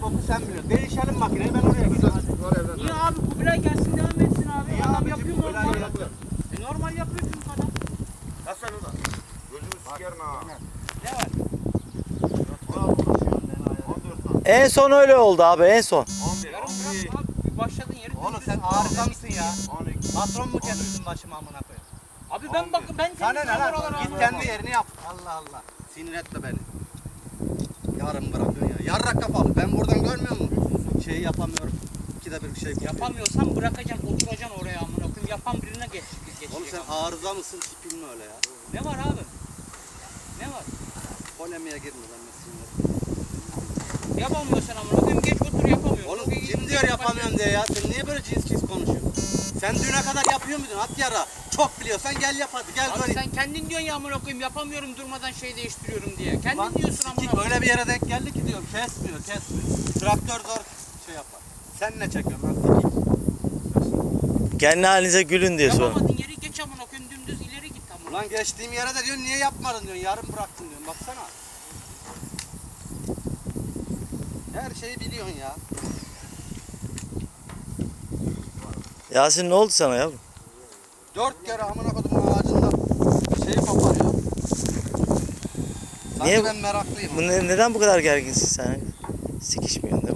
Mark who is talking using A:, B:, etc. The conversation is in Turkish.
A: boku sen biliyorsun. Değişelim makineyi ben oraya gideceğim.
B: Niye abi Kubilay gelsin devam etsin abi.
A: Niye
B: Adam
A: abicim,
B: yapıyor
A: Kubilay
B: normal.
A: yapıyor.
B: Normal yapıyor çünkü adam.
C: Kaç sen orada? Gözümü sikerim ha.
B: Ne var?
C: 14
D: En son öyle oldu abi, en son.
C: 11,
B: Yarım
C: 11,
B: bırak abi. Başladın yeri.
A: Oğlum
B: dümdüz.
A: sen arıza mısın ya?
C: 12.
A: Patron mu kendin başıma amına koyayım?
B: Abi ben bakın ben
A: Sana ne
B: temizliyorum
A: lan?
B: oraları
A: Git
B: abi.
A: kendi yerini yap. Allah Allah. Sinir etme beni. Yarın bırakıyorsun ya. Yarrak kapalı. Ben buradan görmüyor musun? Şeyi yapamıyorum. İkide bir şey
B: Yapamıyorsan bırakacaksın oturacaksın oraya amına koyayım. Yapan birine geçecek.
A: Oğlum sen arıza mısın? Tipin mi öyle ya?
B: Ne var abi? Ne var?
A: Polemiğe girme ben de sinir.
B: Yapamıyorsan amına koyayım geç otur yapamıyorsun.
A: Oğlum kim diyor yapamıyorum diye ya? Sen niye böyle cins konuşuyorsun? Sen düne kadar yapıyor muydun? At yara. Çok biliyorsan gel yap hadi. Gel
B: Abi
A: böyle.
B: sen kendin diyorsun ya amına koyayım yapamıyorum durmadan şey değiştiriyorum diye. Kendin
A: Lan
B: diyorsun amına
A: sikik
B: koyayım.
A: öyle bir yere denk geldi ki diyorum. Kesmiyor. Traktör zor şey yapar. Sen ne çekiyorsun lan sikik?
D: Kendi halinize gülün diye sonra.
B: Yapamadın yeri geç amına koyayım dümdüz ileri git amına.
A: Ulan geçtiğim yere de diyorsun niye yapmadın diyorsun. Yarın bıraktın diyorsun. Baksana. Her şeyi biliyorsun ya.
D: Yasin ne oldu sana ya?
A: 4 kere amına kodum ağacında şey koparıyor. Sanki
D: Niye?
A: ben meraklıyım.
D: Neden bu kadar gerginsin sen? Sikişmiyorsun